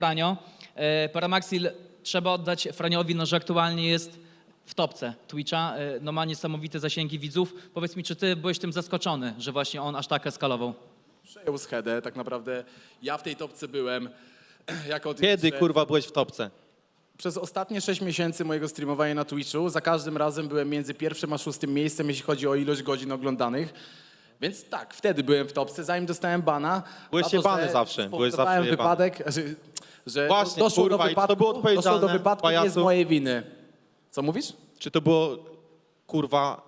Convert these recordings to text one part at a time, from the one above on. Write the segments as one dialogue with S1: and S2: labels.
S1: Franio. Paramaxil, trzeba oddać Franiowi, no, że aktualnie jest w topce Twitcha, no, ma niesamowite zasięgi widzów. Powiedz mi, czy ty byłeś tym zaskoczony, że właśnie on aż tak eskalował?
S2: Przejął schedę, tak naprawdę ja w tej topce byłem.
S3: Kiedy, kurwa, byłeś w topce?
S2: Przez ostatnie 6 miesięcy mojego streamowania na Twitchu za każdym razem byłem między pierwszym a 6. miejscem, jeśli chodzi o ilość godzin oglądanych. Więc tak, wtedy byłem w topce, zanim dostałem bana.
S3: Byłeś jebany zawsze, byłeś zawsze
S2: Spowodowałem
S3: jebany.
S2: wypadek, że
S3: Właśnie,
S2: doszło
S3: kurwa,
S2: do
S3: i czy to
S2: wypadku,
S3: było odpowiedzialne,
S2: doszło do wypadku nie z
S3: pajacu?
S2: mojej winy. Co mówisz?
S3: Czy to było, kurwa,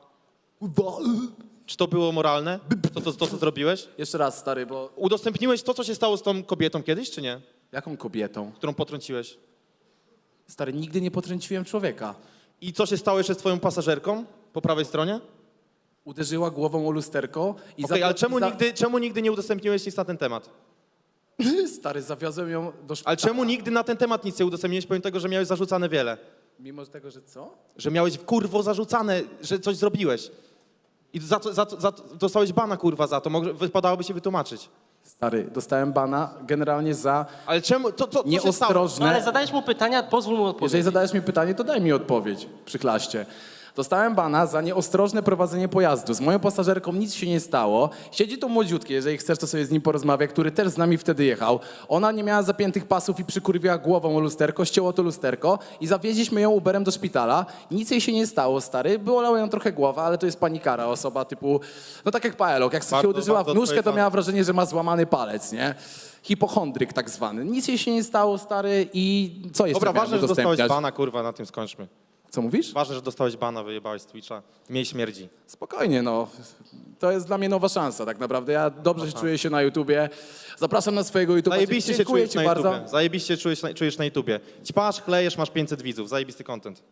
S3: czy to było moralne? To, co zrobiłeś?
S2: Jeszcze raz, stary, bo
S3: Udostępniłeś to, co się stało z tą kobietą kiedyś, czy nie?
S2: jaką kobietą?
S3: Którą potrąciłeś.
S2: Stary, nigdy nie potrąciłem człowieka.
S3: I co się stało jeszcze z twoją pasażerką po prawej stronie?
S2: Uderzyła głową o lusterko i
S3: Okej, ale czemu nigdy nie udostępniłeś nic na ten temat?
S2: Stary, zawiozłem ją do szpitala.
S3: Ale czemu nigdy na ten temat nic nie udostępniłeś, pomimo tego, że miałeś zarzucane wiele?
S2: Mimo tego, że co?
S3: Że miałeś, kurwo, zarzucane, że coś zrobiłeś. I dostałeś bana, kurwa, za to. Wypadałoby się wytłumaczyć.
S2: Stary, dostałem bana generalnie za
S3: Ale czemu, co się stało?
S2: nieostrożne...
S4: No ale zadajesz mu pytania, pozwól mu odpowiedzieć.
S2: Jeżeli zadajesz mi pytanie, to daj mi odpowiedź, przyklaście. Dostałem bana za nieostrożne prowadzenie pojazdu. Z moją pasażerką nic się nie stało. Siedzi tu młodziutki, jeżeli chcesz, to sobie z nim porozmawiaj, który też z nami wtedy jechał. Ona nie miała zapiętych pasów i przykurwiła głową o lusterko, ścięło to lusterko i zawieźliśmy ją Uberem do szpitala. Nic jej się nie stało, stary. Bolała ją trochę głowa, ale to jest panikara, osoba typu... No tak jak Paelok, jak się
S3: Bardzo,
S2: uderzyła w
S3: bardzo
S2: nóżkę, to
S3: odpowiedzialne.
S2: miała wrażenie, że ma złamany palec, nie? Hipochondryk tak zwany. Nic jej się nie stało, stary, i co jeszcze
S3: Dobra,
S2: miałem
S3: ważne, że dostałeś
S2: udostępniać?
S3: bana, kurwa, na tym skończmy.
S2: Co mówisz?
S3: Ważne, że dostałeś bana, wyjebałeś z Twitcha. Miej śmierdzi.
S2: Spokojnie, no. To jest dla mnie nowa szansa, tak naprawdę. Ja dobrze się czuję się na YouTubie. Zapraszam na swojego YouTube'a.
S3: Zajebiście się
S2: Dziękuję
S3: czujesz
S2: ci
S3: na
S2: bardzo.
S3: YouTubie. Zajebiście czujesz na YouTubie. Ćpasz, klejesz, masz 500 widzów. Zajebisty content.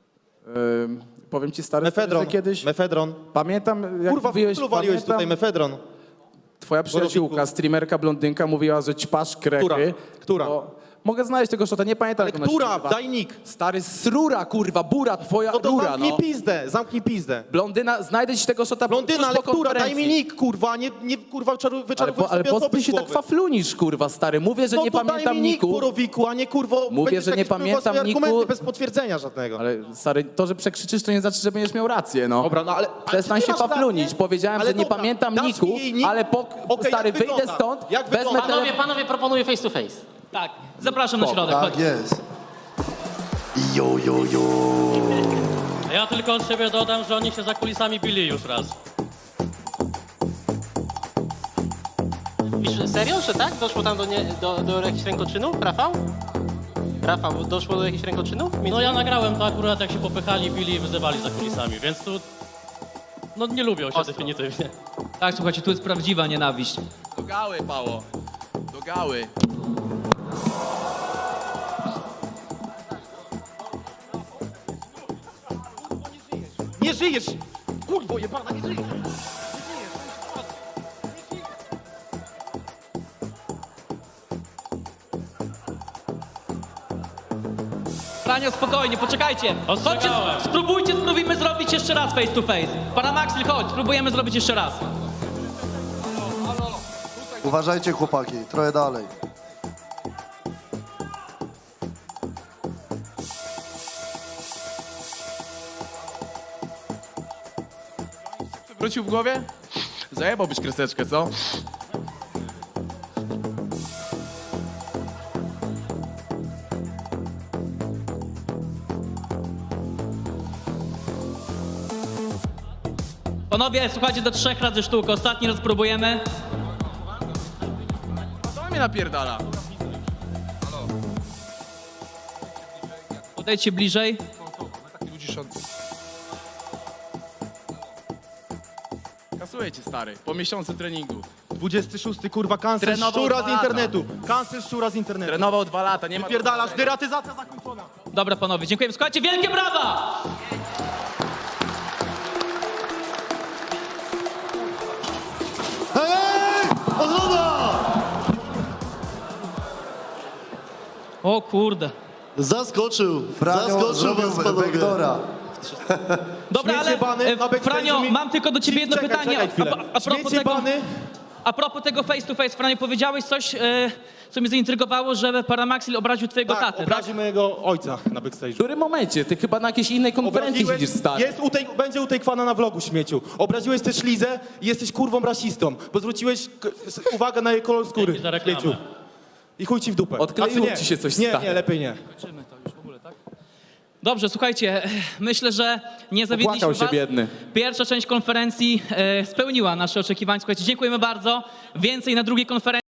S2: Powiem ci, stary,
S3: Mefedron.
S2: że kiedyś...
S3: Mefedron.
S2: Pamiętam, jak
S3: Kurwa,
S2: mówiłeś,
S3: waliłeś tutaj mefedron.
S2: twoja przyjaciółka,
S3: Borowiku.
S2: streamerka, blondynka, mówiła, że ćpasz krechy.
S3: Która?
S2: Mogę znaleźć tego szota, nie pamiętam,
S3: Ale
S2: jak ona się
S3: która?
S2: nazywa.
S3: Daj nick.
S2: Stary, srura, kurwa, bura, twoja
S3: No to
S2: rura,
S3: zamknij
S2: no.
S3: pizdę, zamknij pizdę.
S2: Blondyna, znajdę ci tego szota
S3: Blondyna,
S2: tuż
S3: ale
S2: po
S3: która? Daj mi
S2: konferencji.
S3: nick, kurwa, nie kurwa, wyczarowujesz
S2: Ale
S3: sobie
S2: po co
S3: osoby
S2: ty
S3: z
S2: się tak
S3: głowy.
S2: faflunisz, kurwa, stary? Mówię, że
S3: No
S2: nie
S3: to daj
S2: pamiętam
S3: mi nick,
S2: niku.
S3: Borowiku, a nie kurwo...
S2: Mówię,
S3: będziesz
S2: że nie
S3: jakieś, kurwa,
S2: pamiętam
S3: swoje argumenty
S2: niku.
S3: bez potwierdzenia żadnego.
S2: Ale stary, to, że przekrzyczysz, to nie znaczy, że będziesz miał rację, no.
S3: Dobra, no ale...
S2: Przestań
S3: ale ty
S2: się
S3: masz
S2: faflunić.
S3: rację.
S2: Powiedziałem,
S3: Ale
S2: że nie
S3: dobra,
S2: pamiętam
S3: dasz
S2: niku,
S3: mi jej nick?
S2: ale
S3: Okej,
S2: stary,
S3: jak
S2: wyjdę
S3: wygląda?
S2: stąd,
S3: Jak
S2: wezmę
S3: wygląda?
S2: telefon.
S4: Panowie, proponuję face to face.
S1: Tak, zapraszam na środek.
S5: Tak
S1: chodź.
S5: jest. Jo, jo, jo.
S6: Ja tylko od siebie dodam, że oni się za kulisami bili już raz.
S4: Pisz, serio, że tak? Doszło tam do jakichś rękoczynów, Rafał? Rafał, doszło do jakichś rękoczynów?
S6: No ja nagrałem to akurat, jak się popychali, bili i wyzywali za kulisami, więc tu... No nie lubią się definitywnie.
S1: Tak, słuchajcie, tu jest prawdziwa nienawiść.
S2: Do gały, Pało. Do gały.
S3: Nie żyjesz! Kurwo, jebana, nie żyjesz!
S1: Franio, spokojnie, poczekajcie. Chodźcie,
S6: Ostrzegałem.
S1: spróbujmy zrobić jeszcze raz face to face. Paramaxil, chodź, spróbujemy zrobić jeszcze raz.
S5: Uważajcie, chłopaki, trochę dalej.
S2: Wrócił w głowie? Zajebałbyś kreseczkę, co?
S1: Panowie, słuchajcie, do 3 razy sztukę. Ostatni raz próbujemy.
S2: To mnie napierdala.
S1: Podejdźcie bliżej.
S2: Kasuję cię, stary, po miesiącu treningu.
S3: 26, kurwa, cancel
S2: Trenował
S3: szczura
S2: 2
S3: z
S2: lata.
S3: internetu. Cancel szczura z internetu.
S2: Trenował 2 lata, nie ma...
S3: Pierdalasz, deratyzacja zakończona.
S1: Dobra, panowie, dziękujemy. Słuchajcie, wielkie brawa!
S5: Hej! Odroda!
S1: O kurde.
S5: Zaskoczył.
S2: Franio
S5: Zaskoczył
S2: zrobił
S5: was, panowie.
S2: backdoora.
S1: Dobra, ale
S3: Śmiecie bany, na backstage'u
S1: Franio,
S3: mi-
S1: mam tylko do ciebie jedno
S3: Czekaj,
S1: pytanie.
S3: czekaj chwilę.
S1: A propos
S3: Śmiecie
S1: tego...
S3: bany,
S1: A propos tego face to face, Franio, powiedziałeś coś, co mnie zaintrygowało, że Paramaxil obraził twojego tatę, tak?
S3: obraził mojego ojca na
S2: W
S3: backstage'u.
S2: którym momencie? Ty chyba na jakiejś innej konferencji siedzisz, stary.
S3: Będzie u tej kwana na vlogu, śmieciu. Obraziłeś też Lizę i jesteś kurwą rasistą, bo zwróciłeś uwagę na jej kolor skóry.
S6: Dzięki za reklamę.
S3: śmieciu. I chuj ci w dupę.
S2: Odkleiło
S3: Znaczy,
S2: ci się coś,
S3: Nie,
S2: stary.
S3: nie, lepiej nie.
S1: Kończymy to już w ogóle, tak? Dobrze, słuchajcie, myślę, że nie zawiedliśmy
S2: Popłakał się
S1: was.
S2: biedny.
S1: Pierwsza część konferencji spełniła nasze oczekiwania. Słuchajcie, dziękujemy bardzo. Więcej na drugiej konferencji.